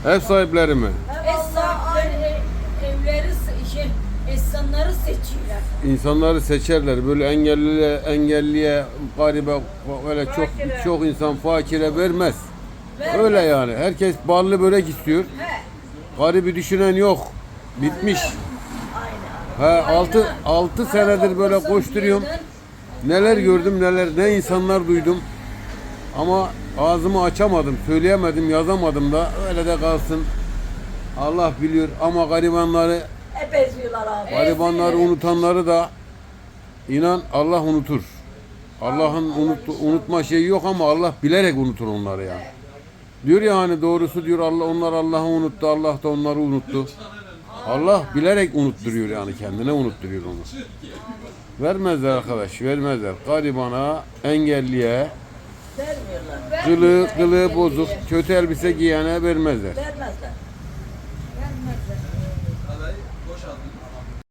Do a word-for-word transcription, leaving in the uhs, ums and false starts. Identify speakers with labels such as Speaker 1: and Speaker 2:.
Speaker 1: Ev sahipleri mi?
Speaker 2: Ev sahipleri evleri şey, insanları seçiyorlar.
Speaker 1: İnsanları seçerler. Böyle engelliye, engelliye, garibe, öyle çok
Speaker 2: Fakire.
Speaker 1: çok insan fakire vermez.
Speaker 2: Vermez.
Speaker 1: Öyle yani. Herkes ballı börek istiyor.
Speaker 2: He.
Speaker 1: Garibi düşünen yok. Bitmiş.
Speaker 2: Aynen.
Speaker 1: He, altı, altı senedir böyle koşturuyorum. Neler gördüm neler, ne insanlar duydum. Ama ağzımı açamadım, söyleyemedim, yazamadım da öyle de kalsın. Allah biliyor ama garibanları,
Speaker 2: Hep eziyorlar abi.
Speaker 1: garibanları unutanları da inan Allah unutur. Allah'ın unut, unutma şeyi yok ama Allah bilerek unutur onları ya. Diyor ya hani doğrusu diyor Allah onlar Allah'ı unuttu, Allah da onları unuttu. Allah bilerek unutturuyor yani kendine unutturuyor onu. Vermezler arkadaş, vermezler. Garibana, engelliye,
Speaker 2: Vermiyorlar.
Speaker 1: kılığı, kılığı bozuk, kötü elbise giyene vermezler.
Speaker 2: Vermezler. Vermezler.